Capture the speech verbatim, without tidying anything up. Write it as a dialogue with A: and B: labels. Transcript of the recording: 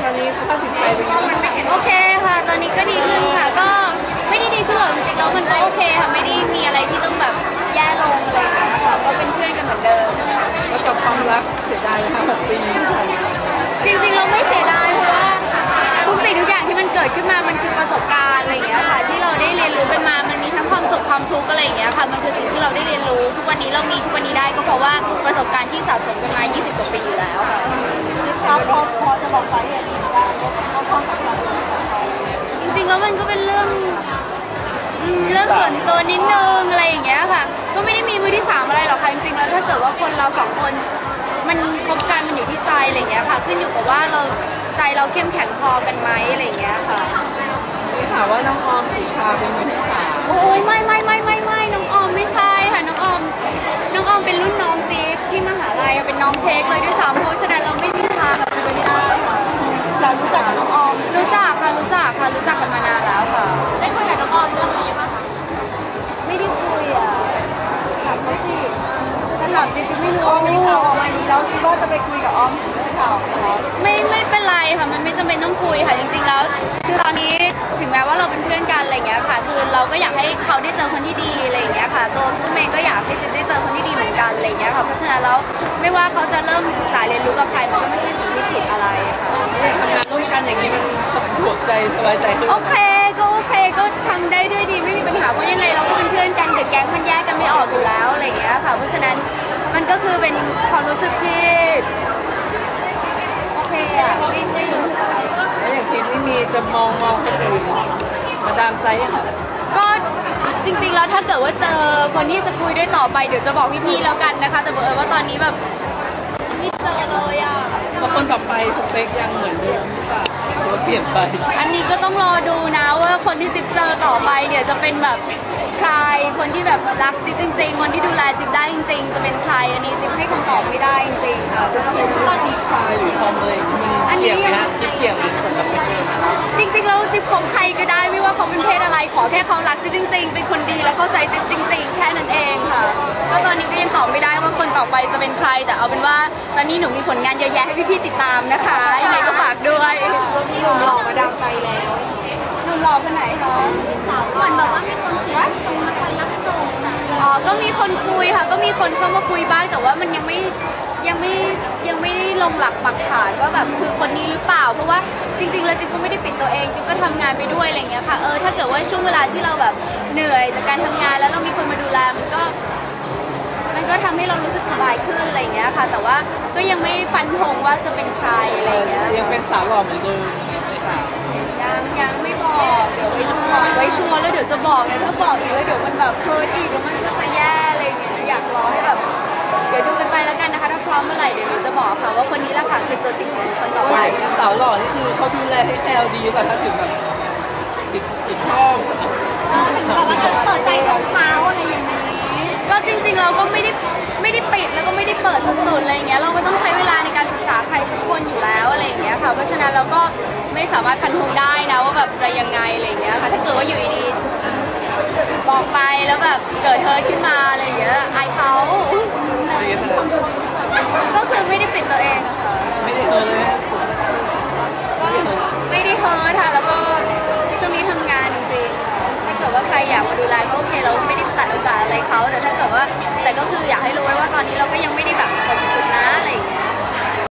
A: อนนี้สภาพจิตใจเป็นยังไง
B: โอเคค่ะตอนนี้ก็ดีขึ้นค่ะก็ไม่ได้ดีขึ้นหรอกจริงๆแล้วมันก็โอเคค่ะไม่ได้มีอะไรที่ต้องแบบแย่ลงอะไรอย่างเงี้ยค่ะก็เป็นเพื่อนกันเหมือนเดิม
A: แล้วกับความรักเสียดายไหมคะหกปีที่ผ่านมา
B: จริงๆเราไม่เสียดายเพราะว่าทุกสิ่งทุกอย่างที่มันเกิดขึ้นมามันคือประสบการณ์อะไรอย่างเงี้ยค่ะที่เราได้เรียนรู้กันมามันมีทั้งความสุขความทุกข์อะไรอย่างเงี้ยค่ะมันคือสิ่งที่เราได้เรียนรู้ทุกวันนี้เรามีทุกวันนี้ได้ก็เพราะว่าประสบการณ์ที่สะสมกันมายี่สิบกว่าปีอยู่แล้วค่ะ
C: ครับพอพอจะบอกสาเหตุนี้ได้ว่าความสัมพันธ์ของเขา
B: จริงๆแล้วมันก็เป็นเรื่องเรื่องส่วนตัวนิดนึงอะไรอย่างเงี้ยค่ะก็ไม่ได้มีมือที่สามอะไรหรอกค่ะจริงๆแล้วถ้าเกิดว่าคนเราสองคนมันคบกันมันอยู่ที่ใจอะไรอย่างเงี้ยค่ะขึ้นอยู่กับว่าเราใจเราเข้มแข็งพอกันไหมอะไรอย่างเงี้ยค่ะ
A: มีข่าวว่าน้องออมสุชาเป็นมือที่สาม
B: โอ้ยไม่ไม่ไม่ไม่ไม่น้องออมไม่ใช่ค่ะน้องออมน้องออมเป็นรุ่นน้องจี๊บที่มหาลัยเป็นน้องเทคเลยด้วยซ้ำเพราะฉะนั้นเราไม่มีทางแบบเป็นไปได้ค่ะ
C: เรารู้จักกับน้องออม
B: รู้จักค่ะรู้จักค่ะรู้จักกันมานานแล้วค่ะ
C: ได้คุยกับน้องออมเรื่องนี้ป่ะคะ
B: ไม่ได้คุยอ่ะถามเขาสิถ้าถามจริงๆไม่รู้
C: มีข่าวออกมาดีแล้วคิดว่าจะไปคุยกับออมถึงเรื่องข่าวไหมคะ
B: ไม่ไม่เป็นไรค่ะมันไม่จำเป็นต้องคุยค่ะจริงๆแล้วคือตอนนี้ถึงแม้ว่าเราเป็นเพื่อนกันอะไรเงี้ยค่ะคือเราก็อยากให้เขาได้เจอคนที่ดีอะไรเงี้ยค่ะตัวผู้เมย์ก็อยากให้จิ๊บได้เจอคนที่ดีเหมือนกันอะไรเงี้ยค่ะเพราะฉะนั้นแล้วไม่ว่าเขาจะเริ่มศึกษาเรียนรู้กับใครมันก็ไม่ใช่สิ่งที่ผิดอะไรค่ะ
A: ทำงานร่วมกันอย่างนี้มันสะดวกใจสบายใจขึ้น
B: โอเคก็โอเคก็ทำได้ด้วยดีไม่มีปัญหาเพราะยังไงเราก็เป็นเพื่อนกันเด็กแก๊งมันแยกกันไม่ออกอยู่แล้วอะไรเงี้ยค่ะเพราะฉะนั้นมันก็คือเป็นความรู้สึกที่โอเคอ่ะไม่ไม่รู้สึกอะไร
A: แล้วอย่างทีมนี่มีจะมองมองคนอื่นมาดามใจยังคะ
B: ก็จริงๆแล้วถ้าเกิดว่าเจอคนที่จะคุยด้วยต่อไปเดี๋ยวจะบอกพี่ๆแล้วกันนะคะแต่บอกเออว่าตอนนี้แบบไม่เจอเลยอ่ะ
A: พอคนต่อไปสเปคยังเหมือนเดิมหรือเปล่าหรือว่าเปลี่ยนไป
B: อันนี้ก็ต้องรอดูนะว่าคนที่จิ๊บเจอต่อไปเดี๋ยวจะเป็นแบบใครคนที่แบบรักจิ๊บจริงๆคนที่ดูแลจิ๊บได้จริงๆจะเป็นใครอันนี้จิ๊บให้คำตอบไม่ได้จริงๆค่ะ
A: จะต้องเป็นผู้ดีไซน์หรือคอมเลยมันเกี่ยวนะจิ๊บเกี่ยวกับคนแบบเป็น
B: จริงๆแล้วจิ๊บของใครก็ได้ไม่ว่าเขาเป็นเพศอะไรขอแค่เขารักจิ๊บจริงๆเป็นคนดีและเข้าใจจิ๊บจริงๆแค่นั้นเองค่ะก็ตอนนี้ก็ยังตอบไม่ได้ว่าคนต่อไปจะเป็นใครแต่เอาเป็นว่าตอนนี้หนูมีผลงานเยอะแยะให้พี่ๆติดตามนะคะยังไงก็ฝากด้วย
C: หนุ่มหล่อมาดามใจแล้ว
B: หนุ่มหล่อคนไหนคะ
C: สาวเหมือนแบบว่ามีคนคุยตรงมาคอยรับส่ง
B: อ๋อก็มีคนคุยค่ะก็มีคนเข้ามาคุยบ้างแต่ว่ามันยังไม่ยังไม่ยังไม่ได้ลงหลักปักฐานว่าแบบคือคนนี้หรือเปล่าเพราะว่าจริงๆแล้วจิ๊บก็ไม่ได้ปิดตัวเองจิ๊บก็ทำงานไปด้วยอะไรอย่างเงี้ยค่ะเออถ้าเกิดว่าช่วงเวลาที่เราแบบเหนื่อยจากการทำงานแล้วเรามีคนมาดูแลมันก็มันก็ทำให้เรารู้สึกสบายขึ้นอะไรอย่างเงี้ยค่ะแต่ว่าก็ยังไม่ฟันธงว่าจะเป็นใครอะไรอย่างเงี้ย
A: ยังเป็นสาวหล่อเหมือนเดิม
B: ยังยังไม่บอกเดี๋ยวไว้ดูก่อนไว้ชัวร์แล้วเดี๋ยวจะบอกนะถ้าบอกอีกแล้วเดี๋ยวมันแบบเพิร์ดอีกแล้วมันก็จะแย่อะไรเงี้ยอยากรอให้แบบเดี๋ยวดูกันไปแล้วกันนะคะถ้าพร้อมเมื่อไหร่เดี๋ยวเราจะบอกค่ะว่าคนนี้แหละค่ะคือตัวจริงของคนต่อไป
A: สาวหล่อนี่คือเขาดูแลให้แซวดีแบบถ้าถึงแบบติดติดชอบ
C: ถึงแบบว่าต้องเปิดใจของเขาอะไรอย่างนี้
B: ก็จริงๆเราก็ไม่ได้ไม่ได้ปิดแล้วก็ไม่ได้เปิดสุดๆอะไรเงี้ยเราก็ต้องใช้เวลาในการศึกษาใครสักคนอยู่แล้วอะไรอย่างเงี้ยค่ะเพราะฉะนั้นเราก็ไม่สามารถฟันธงได้นะว่าแบบจะยังไงอะไรเงี้ยค่ะถ้าเกิดว่าอยู่ดีๆบอกไปแล้วแบบเกิดเฮิร์ตขึ้นมาอะไรอย่างเงี้ยอายเขาก็คือไม่ได้ปิดตัวเองอะค่ะ
A: ไม่ได้เฮิร์ตเลย
B: ไม่ได้เฮิร์ตค่ะแล้วก็ช่วงนี้ทำงานจริงๆถ้าเกิดว่าใครอยากมาดูแลก็โอเคเราไม่ได้ตัดโอกาสอะไรเขาแต่ถ้าเกิดว่าแต่ก็คืออยากให้รู้ไว้ว่าตอนนี้เราก็ยังไม่ได้